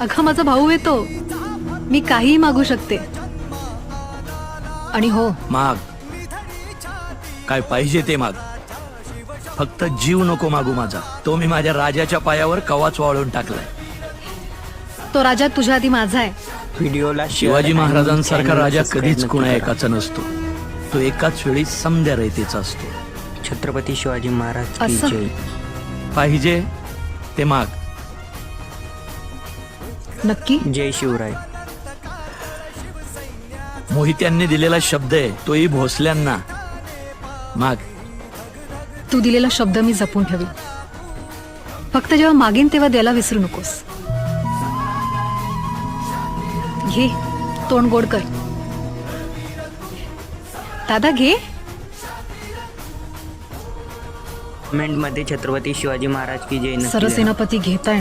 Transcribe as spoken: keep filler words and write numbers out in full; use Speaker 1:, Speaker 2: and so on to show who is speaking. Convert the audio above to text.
Speaker 1: अगं माझा भाऊ येतो, मी काहीही मागू शकते. आणि हो,
Speaker 2: माग, काय पाहिजे ते माग, फक्त जीव नको मागू माझा. तो मी माझ्या राजाच्या पायावर कवाच वाळून टाकलाय.
Speaker 1: तो राजा तुझ्या आधी माझा आहे.
Speaker 3: व्हिडिओला
Speaker 2: शिवाजी महाराजांसारखा राजा कधीच कुणा एकाचा नसतो. तो एकाच वेळी समद्या रयतेचा असतो.
Speaker 3: छत्रपती शिवाजी महाराज की
Speaker 1: असं?
Speaker 3: जय.
Speaker 2: पाहिजे ते माग.
Speaker 1: नक्की?
Speaker 3: जय शिवराय.
Speaker 2: मोहित्यांनी दिलेला शब्द आहे, तोही भोसल्यांना. माग.
Speaker 1: तू दिलेला शब्द मी जपून ठेवी. फक्त जेव्हा मागीन तेव्हा द्यायला विसरू नकोस. घे, तोंड गोड कर. दादा घे.
Speaker 3: कमेंट मध्ये छत्रपती शिवाजी महाराज की जय नक्की लिहा.
Speaker 1: सरसेनापती घेताय.